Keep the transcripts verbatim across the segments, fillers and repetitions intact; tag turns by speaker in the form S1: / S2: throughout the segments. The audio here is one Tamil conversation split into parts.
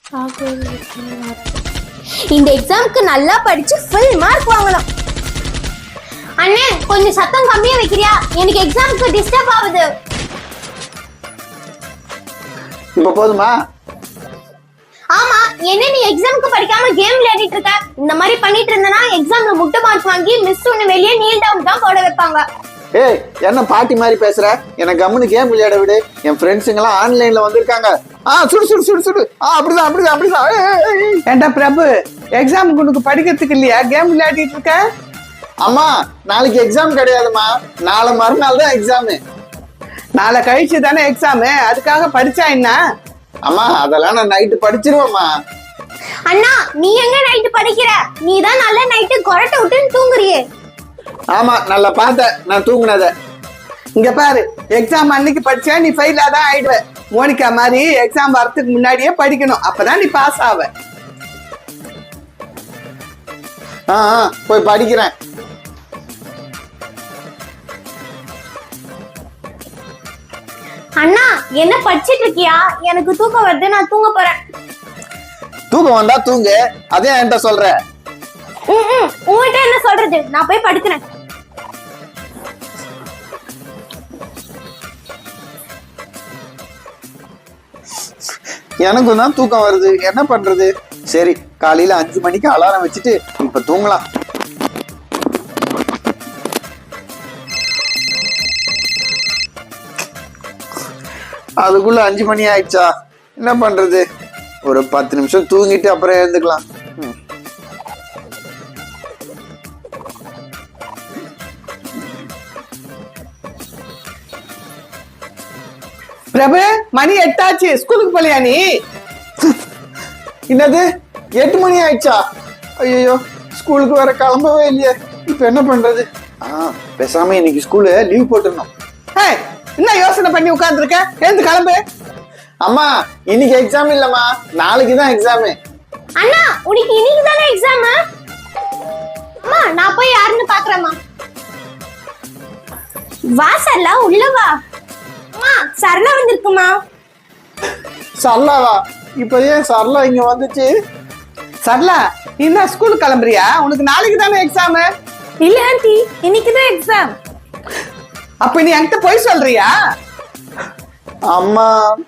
S1: இந்த எக்ஸாம்க்கு நல்லா படிச்சு ஃபுல் மார்க் வாங்கணும். அண்ணே கொஞ்சம் சத்தம் கம்மியா வைக்கிறியா? எனக்கு எக்ஸாம்க்கு டிஸ்டர்ப் ஆகுது.
S2: இப்ப போதுமா?
S1: ஆமா, என்ன நீ எக்ஸாம்க்கு படிக்காம கேம் விளையாடிட்டு இருக்க? இந்த மாதிரி பண்ணிட்டு இருந்தனா எக்ஸாம்ல முட்டை மார்க் வாங்கி மிஸ் உன்னை வெளியே நீல் டவுன் தான் போட வைப்பாங்க.
S2: ஏய், என்ன பாட்டி மாதிரி பேசுற? எனக்கு கம்முனு கேம் விளையாட விடு. என் ஃப்ரெண்ட்ஸுங்க எல்லாம் ஆன்லைன்ல வந்திருக்காங்க. ஆ சுடு சுடு சுடு சுடு. ஆ அப்படிதான் அப்படிதான் அப்படிதான்.
S3: ஏண்டா பிரபு, எக்ஸாமுக்கு உனக்கு படிக்கிறதுக்கு இல்லையா? கேம் விளையாடிட்டு இருக்க?
S2: அம்மா, நாளைக்கு எக்ஸாம் கிடையாதுமா, நாளை மறுநாள் தான் எக்ஸாமு.
S3: நாளை கழிச்சு தானே எக்ஸாமு, அதுக்காக படிச்சா என்ன?
S2: அம்மா, அதெல்லாம் நான் நைட்டு படிச்சிருவேம்மா.
S1: அண்ணா, நீ எங்க நைட்டு படிக்கிற? நீ தான் நல்ல நைட்டு கொரட்டை விட்டுன்னு தூங்குறியே.
S2: ஆமா, நல்லா பார்த்தேன் நான் தூங்குனத.
S3: இங்க பாரு, எக்ஸாம் அன்னைக்கு படிச்சா நீ ஃபெயிலா தான் ஆயிடுவ. மோனிகா மாதிரி எக்ஸாம் வரதுக்கு முன்னாடியே படிக்கணும், அப்பதான் நீ பாஸ் ஆவ.
S2: ஆ போய் படிக்கிறேன்.
S1: அண்ணா, என்ன படிச்சிட்டு இருக்கியா? எனக்கு தூக்கம் வருது, நான் தூங்க போறேன்.
S2: தூக்கம் வந்தா தூங்கு, அதே என்கிட்ட சொல்ற.
S1: உங்ககிட்ட என்ன சொல்றது? நான் போய் படுக்கிறேன்.
S2: எனக்கும் தான் தூக்கம் வருது, என்ன பண்றது? சரி, காலையில அஞ்சு மணிக்கு அலாரம் வச்சுட்டு இப்ப தூங்கலாம். அதுக்குள்ள அஞ்சு மணி ஆயிடுச்சா? என்ன பண்றது? ஒரு பத்து நிமிஷம் தூங்கிட்டு அப்புறம் எழுந்துக்கலாம்.
S3: பிரபு, மணி எட்டாச்சு, ஸ்கூலுக்கு போலியா நீ?
S2: என்னது, எட்டு மணி ஆயிடுச்சா? ஐயோ, ஸ்கூலுக்கு வர கிளம்பவே இல்லையே, இப்ப என்ன பண்றது? ஆஹ் பேசாம இன்னைக்கு ஸ்கூலு லீவ் போட்டுருந்தோம்.
S3: என்ன யோசனை பண்ணி உட்கார்ந்துருக்க? எழுந்து கிளம்பு.
S2: அம்மா, இன்னைக்கு எக்ஸாம் இல்லம்மா, நாளைக்கு தான் எக்ஸாமு.
S1: அண்ணா, உனக்கு இன்னைக்கு தானே எக்ஸாம்? அம்மா, நான் போய் யாருன்னு பாக்குறேம்மா. வா சரளா, உள்ள வா. அம்மா, சரளா வந்திருக்குமா?
S2: சரளாவா? இப்ப ஏன் சரளா இங்க வந்துச்சு?
S3: சரளா, நீ என்ன ஸ்கூலுக்கு கிளம்புறியா? உனக்கு நாளைக்கு தானே எக்ஸாம்?
S4: இல்ல ஆண்டி, இன்னைக்கு தான் எக்ஸாம்.
S3: அப்ப நீ என்கிட்ட போய் சொல்றியா?
S2: அம்மா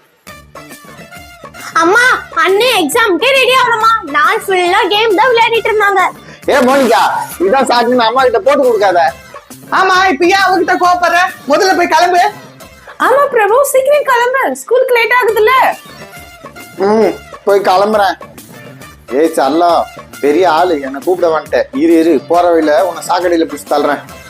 S1: அம்மா, அண்ணன் எக்ஸாம்க்கே ரெடி ஆகணுமா? நான் ஃபுல்லா கேம் தான் விளையாடிட்டு இருந்தாங்க.
S2: ஏ மோனிகா, இதான் சாக்குன்னு அம்மா கிட்ட போட்டு கொடுக்காத.
S3: ஆமா, இப்ப ஏன் அவகிட்ட கோபப்படுற? முதல்ல போய் கிளம்பு.
S4: ஆமா பிரபு, சீக்கிரம் கிளம்பு, ஸ்கூலுக்கு லேட் ஆகுதுல்ல.
S2: ம் போய் கிளம்புறேன். ஏய் சரளா, பெரிய ஆளு, என்ன கூப்பிட வந்துட்டேன். இரு இரு, போற வழியில உன்னை சாக்கடையில பிடிச்சி தள்ளுறேன்.